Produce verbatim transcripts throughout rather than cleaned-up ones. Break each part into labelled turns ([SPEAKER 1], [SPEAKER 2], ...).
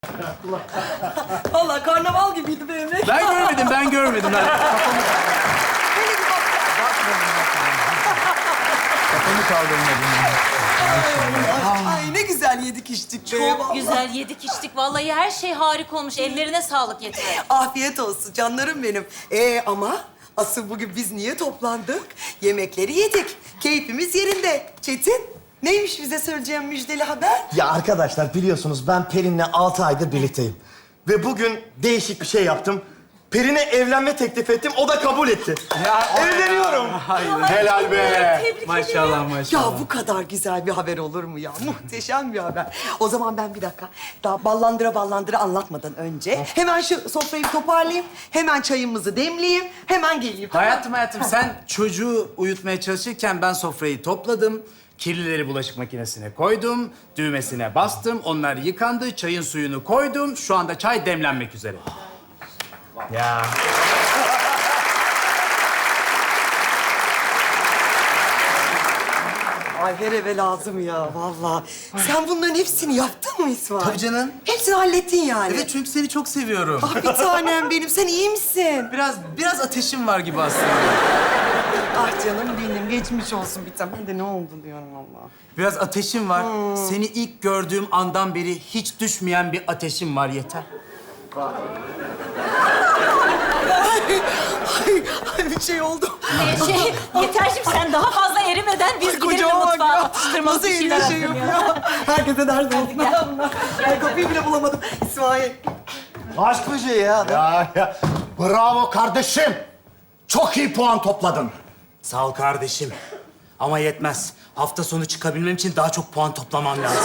[SPEAKER 1] Vallahi karnaval gibiydi benim.
[SPEAKER 2] Ben görmedim, ben görmedim. Ben kafamı kaldırmadım.
[SPEAKER 1] Ay ne güzel yedik içtik be.
[SPEAKER 3] Çok
[SPEAKER 1] vallahi.
[SPEAKER 3] güzel yedik içtik. Vallahi her şey harika olmuş. Ellerine sağlık yeter.
[SPEAKER 1] Afiyet olsun canlarım benim. Ee ama asıl bugün biz niye toplandık? Yemekleri yedik. Keyfimiz yerinde. Çetin, neymiş bize söyleyeceğin müjdeli haber?
[SPEAKER 4] Ya arkadaşlar biliyorsunuz ben Perin'le altı aydır birlikteyim. Ve bugün değişik bir şey yaptım. Perin'e evlenme teklif ettim, o da kabul etti.
[SPEAKER 2] Ya,
[SPEAKER 4] Evleniyorum.
[SPEAKER 2] Hayır.
[SPEAKER 4] Helal be.
[SPEAKER 3] Tebrik
[SPEAKER 2] Maşallah,
[SPEAKER 3] ederim.
[SPEAKER 2] maşallah.
[SPEAKER 1] Ya bu kadar güzel bir haber olur mu ya? Muhteşem bir haber. O zaman ben bir dakika daha ballandıra ballandıra anlatmadan önce hemen şu sofrayı toparlayayım. Hemen çayımızı demleyeyim. Hemen geleyim.
[SPEAKER 2] Hayatım hayatım sen çocuğu uyutmaya çalışırken ben sofrayı topladım. Kirlileri bulaşık makinesine koydum. Düğmesine bastım. Onlar yıkandı. Çayın suyunu koydum. Şu anda çay demlenmek üzere. Ya.
[SPEAKER 1] Ay her eve lazım ya vallahi. Sen bunların hepsini yaptın mı İsmail?
[SPEAKER 2] Tabii canım.
[SPEAKER 1] Hepsini hallettin yani.
[SPEAKER 2] Evet çünkü seni çok seviyorum.
[SPEAKER 1] Ah bir tanem benim. Sen iyi misin?
[SPEAKER 2] Biraz biraz ateşim var gibi aslında.
[SPEAKER 1] Ah canım benim. Geçmiş olsun bir tanem. Ben de ne oldu diyorum Allah.
[SPEAKER 2] Biraz ateşim var. Seni ilk gördüğüm andan beri hiç düşmeyen bir ateşim var yeter.
[SPEAKER 1] Ay, ay, ay bir şey oldu.
[SPEAKER 3] Ee, şey, Yeterciğim sen daha fazla erimeden biz gidelim de
[SPEAKER 1] Kocaman bak
[SPEAKER 3] mutfağa
[SPEAKER 1] ya.
[SPEAKER 3] atıştırmalık
[SPEAKER 1] Nasıl
[SPEAKER 3] bir şeyler
[SPEAKER 1] elinde şey
[SPEAKER 3] yapalım
[SPEAKER 1] yapıyor? Herkese ders olsun.
[SPEAKER 3] gel.
[SPEAKER 1] Ay kapıyı bile bulamadım. İsmail.
[SPEAKER 4] Aşk böceği ya.
[SPEAKER 5] Ya, ya. Bravo kardeşim. Çok iyi puan topladın.
[SPEAKER 2] Sağ ol kardeşim. Ama yetmez. Hafta sonu çıkabilmem için daha çok puan toplamam lazım.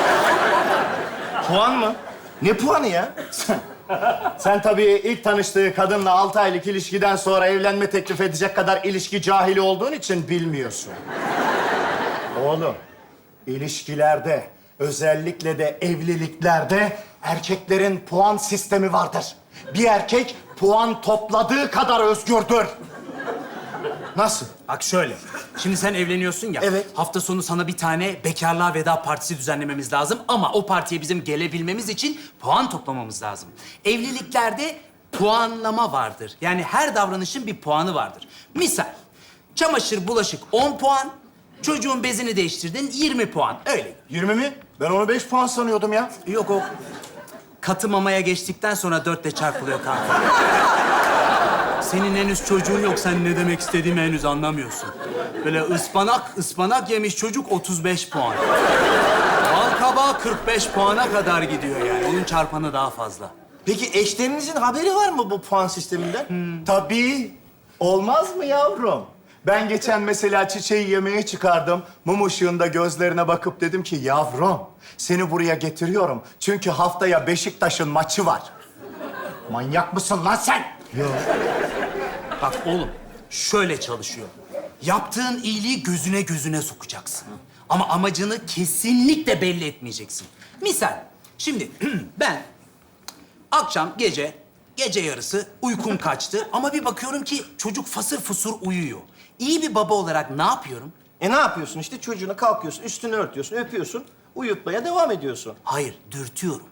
[SPEAKER 4] Puan mı? Ne puanı ya?
[SPEAKER 5] Sen tabii ilk tanıştığı kadınla altı aylık ilişkiden sonra evlenme teklif edecek kadar ilişki cahili olduğun için bilmiyorsun. Oğlum, ilişkilerde, özellikle de evliliklerde erkeklerin puan sistemi vardır. Bir erkek puan topladığı kadar özgürdür. Nasıl?
[SPEAKER 2] Bak şöyle. Şimdi sen evleniyorsun ya.
[SPEAKER 4] Evet.
[SPEAKER 2] Hafta sonu sana bir tane bekarlığa veda partisi düzenlememiz lazım. Ama o partiye bizim gelebilmemiz için puan toplamamız lazım. Evliliklerde puanlama vardır. Yani her davranışın bir puanı vardır. Misal, çamaşır, bulaşık on puan. Çocuğun bezini değiştirdin yirmi puan. Öyle.
[SPEAKER 5] yirmi mi? Ben onu beş puan sanıyordum ya.
[SPEAKER 2] Yok o katı mamaya geçtikten sonra dörtle çarpılıyor kanka. Senin henüz çocuğun yok. Sen ne demek istediğimi henüz anlamıyorsun. Böyle ıspanak, ıspanak yemiş çocuk otuz beş puan. Bal kabağı kırk beş puana kadar gidiyor yani. Onun çarpanı daha fazla.
[SPEAKER 4] Peki eşlerinizin haberi var mı bu puan sisteminden?
[SPEAKER 5] Tabii. Olmaz mı yavrum? Ben geçen mesela çiçeği yemeğe çıkardım. Mum ışığında gözlerine bakıp dedim ki yavrum seni buraya getiriyorum. Çünkü haftaya Beşiktaş'ın maçı var. Manyak mısın lan sen?
[SPEAKER 2] Bak oğlum, şöyle çalışıyor. Yaptığın iyiliği gözüne gözüne sokacaksın. Ama amacını kesinlikle belli etmeyeceksin. Misal, şimdi ben akşam gece, gece yarısı uykum kaçtı ama bir bakıyorum ki çocuk fasır fusur uyuyor. İyi bir baba olarak ne yapıyorum?
[SPEAKER 4] E ne yapıyorsun işte? Çocuğuna kalkıyorsun, üstünü örtüyorsun, öpüyorsun, uyutmaya devam ediyorsun.
[SPEAKER 2] Hayır, dürtüyorum.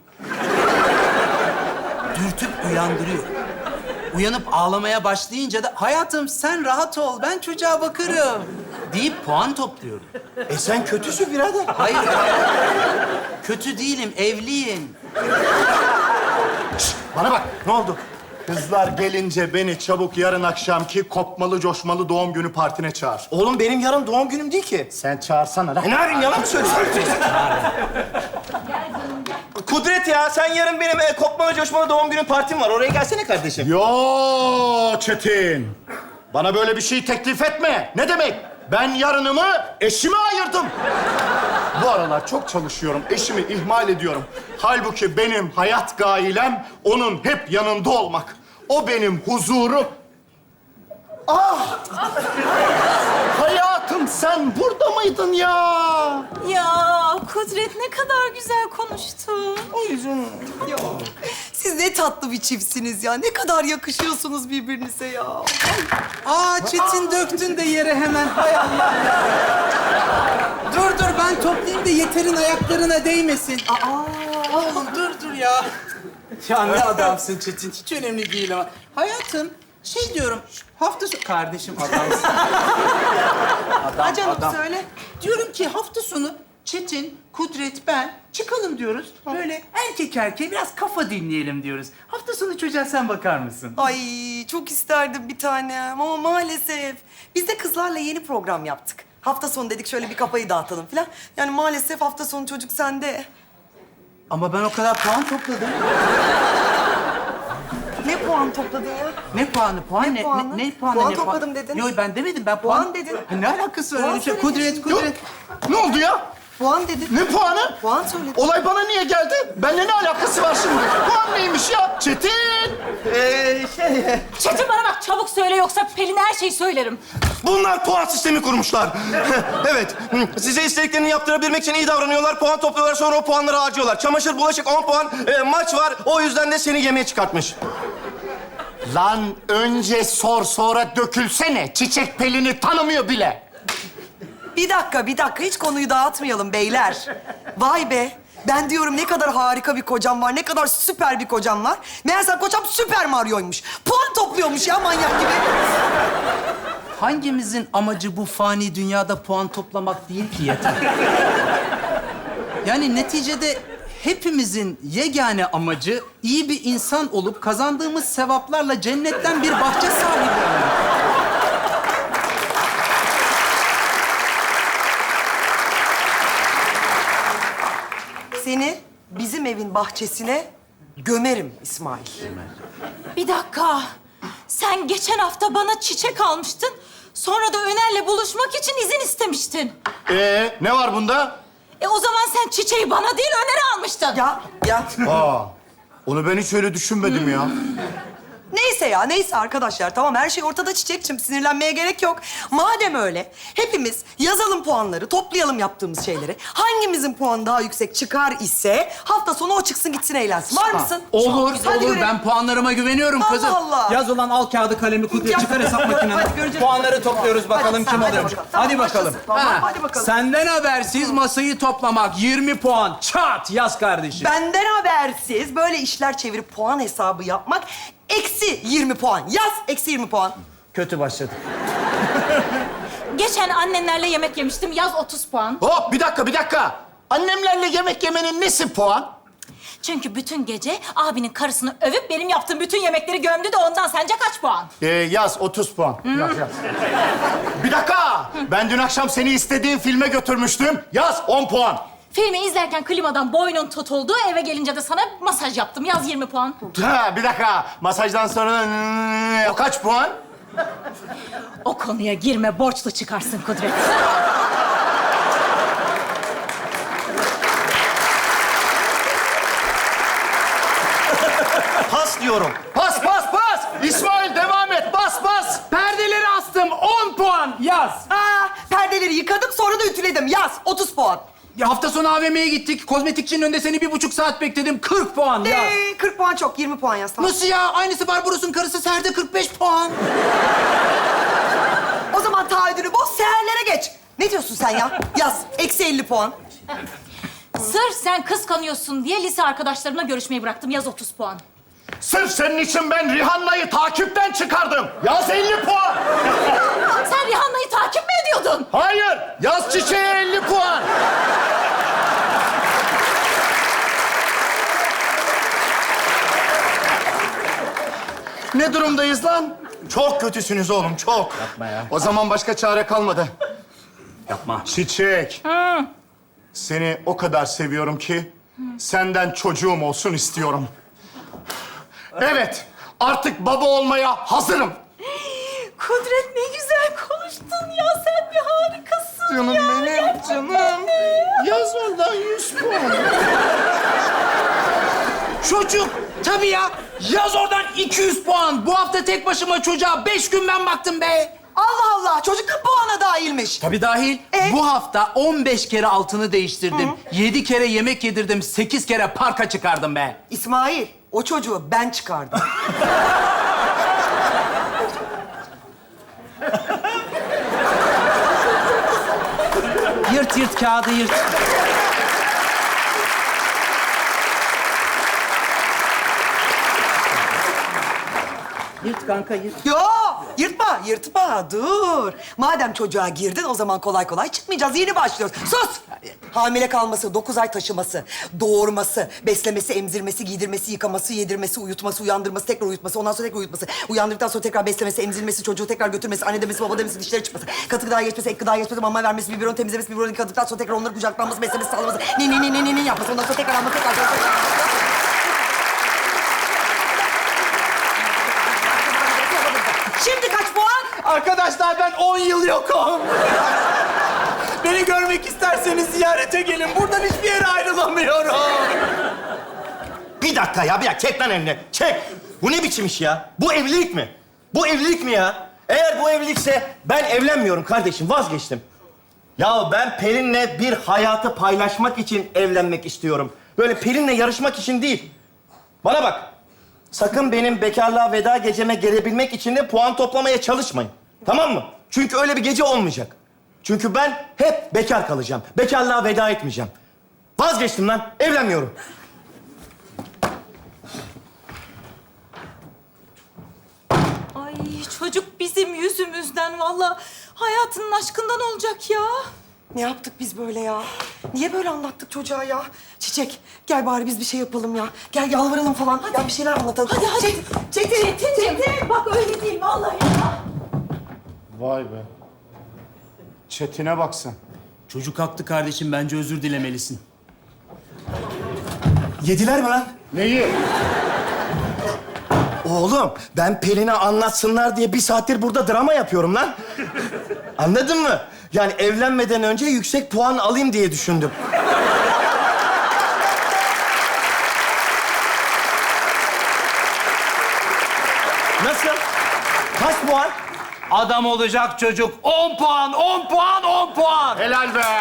[SPEAKER 2] Dürtüp uyandırıyorum. Uyanıp ağlamaya başlayınca da hayatım sen rahat ol, ben çocuğa bakarım deyip puan topluyorum.
[SPEAKER 4] E sen kötüsün birader.
[SPEAKER 2] Hayır, kötü değilim, evliyim.
[SPEAKER 5] Bana bak ne oldu? Kızlar gelince beni çabuk yarın akşamki kopmalı coşmalı doğum günü partine çağır.
[SPEAKER 4] Oğlum benim yarın doğum günüm değil ki.
[SPEAKER 5] Sen çağırsana lan.
[SPEAKER 4] E ne yapayım, yalan mı söylüyorsun? Kudret ya, sen yarın benim e, kopmalı coşmalı doğum günü partim var. Oraya gelsene kardeşim.
[SPEAKER 5] Yo Çetin. Bana böyle bir şey teklif etme. Ne demek? Ben yarınımı eşime ayırdım. Bu aralar çok çalışıyorum. Eşimi ihmal ediyorum. Halbuki benim hayat gailem onun hep yanında olmak. O benim huzurum. Ah! Hayatım sen burada mıydın ya?
[SPEAKER 3] Ya Kudret ne kadar güzel konuştun.
[SPEAKER 1] Ya, siz ne tatlı bir çiftsiniz ya. Ne kadar yakışıyorsunuz birbirinize ya.
[SPEAKER 2] Aa Çetin döktün de yere hemen. Hay Allah ya. Dur dur ben toplayayım da Yeter'in ayaklarına değmesin.
[SPEAKER 1] Aa,
[SPEAKER 2] Oğlum dur dur ya. Ya. Ya ne adamsın Çetin. Hiç önemli değil ama. Hayatım, şey diyorum, hafta sonu... Kardeşim adamsın. Adam,
[SPEAKER 1] Ha canım
[SPEAKER 2] adam.
[SPEAKER 1] söyle.
[SPEAKER 2] Diyorum ki hafta sonu Çetin, Kudret, ben çıkalım diyoruz. Böyle erkek erkeğe biraz kafa dinleyelim diyoruz. Hafta sonu çocuğa sen bakar mısın?
[SPEAKER 1] Ay çok isterdim bir tanem ama maalesef. Biz de kızlarla yeni program yaptık. Hafta sonu dedik şöyle bir kafayı dağıtalım falan. Yani maalesef hafta sonu çocuk sende.
[SPEAKER 2] Ama ben o kadar puan topladım.
[SPEAKER 1] Ne puan topladın ya?
[SPEAKER 2] Ne puanı? Puan
[SPEAKER 1] Ne
[SPEAKER 2] ne?
[SPEAKER 1] puanı?
[SPEAKER 2] Ne, ne puanı?
[SPEAKER 1] Puan
[SPEAKER 2] ne puan-
[SPEAKER 1] topladım dedin.
[SPEAKER 2] Yok ben demedim. Ben puan...
[SPEAKER 1] Puan dedin.
[SPEAKER 2] Ha, ne alakası var
[SPEAKER 1] Puan
[SPEAKER 2] öyle şey?
[SPEAKER 1] söyledin
[SPEAKER 2] Kudret,
[SPEAKER 1] şimdi.
[SPEAKER 2] Kudret.
[SPEAKER 5] Ne oldu ya?
[SPEAKER 1] Puan dedin.
[SPEAKER 5] Ne puanı?
[SPEAKER 1] Puan söyledin.
[SPEAKER 5] Olay bana niye geldi? Benimle ne alakası var şimdi? Puan neymiş ya? Çetin!
[SPEAKER 4] Ee, şey...
[SPEAKER 3] Çetin bana bak çabuk söyle yoksa Pelin'e her şeyi söylerim.
[SPEAKER 4] Bunlar puan sistemi kurmuşlar. Evet, size istediklerini yaptırabilmek için iyi davranıyorlar. Puan topluyorlar, sonra o puanları harcıyorlar. Çamaşır, bulaşık on puan, e, maç var. O yüzden de seni yemeğe çıkartmış.
[SPEAKER 5] Lan önce sor sonra dökülsene. Çiçek Pelin'i tanımıyor bile.
[SPEAKER 1] Bir dakika, bir dakika. Hiç konuyu dağıtmayalım beyler. Vay be. Ben diyorum ne kadar harika bir kocam var, ne kadar süper bir kocam var. Meğerse kocam Süper Mario'ymuş. Puan topluyormuş ya manyak gibi.
[SPEAKER 2] Hangimizin amacı bu fani dünyada puan toplamak değil ki yeter. Yani neticede hepimizin yegane amacı iyi bir insan olup kazandığımız sevaplarla cennetten bir bahçe sahibi olmak.
[SPEAKER 1] Seni bizim evin bahçesine gömerim İsmail.
[SPEAKER 3] Bir dakika. Sen geçen hafta bana çiçek almıştın. Sonra da Öner'le buluşmak için izin istemiştin.
[SPEAKER 5] Ee, ne var bunda?
[SPEAKER 3] E o zaman sen çiçeği bana değil Öner'e almıştın.
[SPEAKER 1] Ya, ya.
[SPEAKER 5] Aa, onu ben hiç öyle düşünmedim ya.
[SPEAKER 1] Neyse ya, neyse arkadaşlar. Tamam, her şey ortada Çiçekçim. Sinirlenmeye gerek yok. Madem öyle, hepimiz yazalım puanları, toplayalım yaptığımız şeyleri. Hangimizin puanı daha yüksek çıkar ise hafta sonu o çıksın gitsin eğlensin. Var mısın?
[SPEAKER 2] Olur,
[SPEAKER 1] Hadi
[SPEAKER 2] olur.
[SPEAKER 1] görelim.
[SPEAKER 2] Ben puanlarıma güveniyorum
[SPEAKER 1] Allah
[SPEAKER 2] kızım.
[SPEAKER 1] Allah.
[SPEAKER 2] Yaz olan al kağıdı kalemi Kudret
[SPEAKER 1] Yap.
[SPEAKER 2] çıkar hesap makineni.
[SPEAKER 1] Hadi göreceğiz.
[SPEAKER 2] Puanları topluyoruz bakalım
[SPEAKER 1] Hadi,
[SPEAKER 2] kim
[SPEAKER 1] hadi
[SPEAKER 2] alıyormuş.
[SPEAKER 1] bakalım. Tamam,
[SPEAKER 2] Hadi bakalım.
[SPEAKER 1] başlasın. Tamam, hadi bakalım.
[SPEAKER 2] Senden habersiz masayı toplamak yirmi puan. Çat yaz kardeşim.
[SPEAKER 1] Benden habersiz böyle işler çevirip puan hesabı yapmak eksi yirmi puan. Yaz eksi yirmi puan.
[SPEAKER 2] Kötü başladı.
[SPEAKER 3] Geçen annenlerle yemek yemiştim. Yaz otuz puan.
[SPEAKER 5] Hop bir dakika bir dakika. Annemlerle yemek yemenin nesi puan?
[SPEAKER 3] Çünkü bütün gece abinin karısını övüp benim yaptığım bütün yemekleri gömdü de ondan sence kaç puan?
[SPEAKER 5] Ee, yaz otuz puan. Yaz yaz. Bir dakika. Ben dün akşam seni istediğin filme götürmüştüm. Yaz on puan.
[SPEAKER 3] Filmi izlerken klimadan boynun tutuldu. Eve gelince de sana masaj yaptım. Yaz yirmi puan.
[SPEAKER 5] Ha, bir dakika. Masajdan sonra o kaç puan?
[SPEAKER 3] O konuya girme, borçlu çıkarsın Kudret.
[SPEAKER 4] Pas diyorum.
[SPEAKER 5] Pas pas pas. İsmail devam et. Bas bas.
[SPEAKER 2] Perdeleri astım on puan yaz.
[SPEAKER 1] Aa, perdeleri yıkadım sonra da ütüledim. Yaz otuz puan.
[SPEAKER 2] Ya hafta sonu A V M'ye gittik. Kozmetikçinin önünde seni bir buçuk saat bekledim. kırk puan yaz.
[SPEAKER 1] Ee, kırk puan çok, yirmi puan yaz. Tamam.
[SPEAKER 2] Nasıl ya? Aynısı Barbaros'un karısı Serde kırk beş puan.
[SPEAKER 1] O zaman taahhüdünü boz, seherlere geç. Ne diyorsun sen ya? Yaz, eksi elli puan.
[SPEAKER 3] Sırf sen kıskanıyorsun diye lise arkadaşlarımla görüşmeyi bıraktım. Yaz otuz puan.
[SPEAKER 5] Sırf senin için ben Rihanna'yı takipten çıkardım. Yaz elli puan.
[SPEAKER 3] Sen Rihanna'yı takip mi ediyordun?
[SPEAKER 5] Hayır. Yaz çiçeğe elli puan. Ne durumdayız lan?
[SPEAKER 4] Çok kötüsünüz oğlum, çok.
[SPEAKER 2] Yapma ya.
[SPEAKER 5] O zaman başka çare kalmadı.
[SPEAKER 2] Yapma.
[SPEAKER 5] Çiçek. Seni o kadar seviyorum ki senden çocuğum olsun istiyorum. Evet, artık baba olmaya hazırım.
[SPEAKER 3] Kudret ne güzel konuştun ya. Sen bir harikasın
[SPEAKER 5] Canım
[SPEAKER 3] ya.
[SPEAKER 5] benim,
[SPEAKER 3] Gerçekten
[SPEAKER 5] canım.
[SPEAKER 3] de.
[SPEAKER 5] Yaz oradan yüz puan.
[SPEAKER 2] Çocuk. Tabii ya. Yaz oradan iki yüz puan. Bu hafta tek başıma çocuğa beş gün ben baktım be.
[SPEAKER 1] Allah Allah, çocuk da puana dahilmiş.
[SPEAKER 2] Tabii dahil.
[SPEAKER 1] E?
[SPEAKER 2] Bu hafta on beş kere altını değiştirdim. Yedi kere yemek yedirdim. Sekiz kere parka çıkardım be.
[SPEAKER 1] İsmail, o çocuğu ben çıkardım.
[SPEAKER 2] Yırt yırt kağıdı yırt. Yırt kanka yırt.
[SPEAKER 1] Yo, yırtma, yırtma. Dur. Madem çocuğa girdin, o zaman kolay kolay çıkmayacağız. Yeni başlıyoruz. Sus! Hamile kalması, dokuz ay taşıması, doğurması, beslemesi, emzirmesi, giydirmesi, yıkaması, yedirmesi, uyutması, uyandırması, tekrar uyutması, ondan sonra tekrar uyutması, uyandırdıktan sonra tekrar beslemesi, emzirmesi, çocuğu tekrar götürmesi, anne demesi, baba demesi, dişleri çıkması, katı gıdaya geçmesi, ek gıdaya geçmesi, mama vermesi, biberon temizlemesi, biberon yıkadıktan sonra tekrar onları kucaklanması, beslemesi, sağlaması, ni ni ni ni ni ni yapması, ondan sonra tekrar alması, tekrar... Şimdi kaç puan?
[SPEAKER 2] Arkadaşlar ben on yıl yokum. Beni görmek isterseniz ziyarete gelin. Buradan hiçbir yere ayrılamıyorum.
[SPEAKER 4] Bir dakika ya, bir dakika. Çek lan elini. Çek. Bu ne biçim iş ya? Bu evlilik mi? Bu evlilik mi ya? Eğer bu evlilikse ben evlenmiyorum kardeşim. Vazgeçtim. Ya ben Pelin'le bir hayatı paylaşmak için evlenmek istiyorum. Böyle Pelin'le yarışmak için değil. Bana bak. Sakın benim bekarlığa veda geceme gelebilmek için de puan toplamaya çalışmayın. Tamam mı? Çünkü öyle bir gece olmayacak. Çünkü ben hep bekar kalacağım. Bekarlığa veda etmeyeceğim. Vazgeçtim lan. Evlenmiyorum.
[SPEAKER 3] Ay çocuk bizim yüzümüzden vallahi hayatının aşkından olacak ya.
[SPEAKER 1] Ne yaptık biz böyle ya? Niye böyle anlattık çocuğa ya? Çiçek, gel bari biz bir şey yapalım ya. Gel yalvaralım falan. Ya bir şeyler anlatalım.
[SPEAKER 3] Hadi hadi.
[SPEAKER 1] Çetin, Çetin,
[SPEAKER 3] Çetin, Çetin. Bak öyle değil vallahi ya.
[SPEAKER 5] Vay be. Çetin'e bak sen.
[SPEAKER 2] Çocuk haklı kardeşim. Bence özür dilemelisin.
[SPEAKER 4] Yediler mi lan?
[SPEAKER 5] Neyi?
[SPEAKER 4] Oğlum, ben Pelin'e anlatsınlar diye bir saattir burada drama yapıyorum lan. Anladın mı? Yani evlenmeden önce yüksek puan alayım diye düşündüm. Nasıl? Kaç puan?
[SPEAKER 2] Adam olacak çocuk. on puan, on puan, on puan.
[SPEAKER 5] Helal be.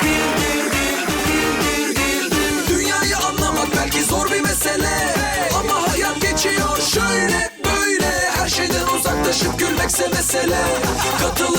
[SPEAKER 6] Dünyayı anlamak belki zor bir mesele, ama hayat geçiyor şöyle böyle. Her şeyden uzaklaşıp gülmekse mesele. Katıl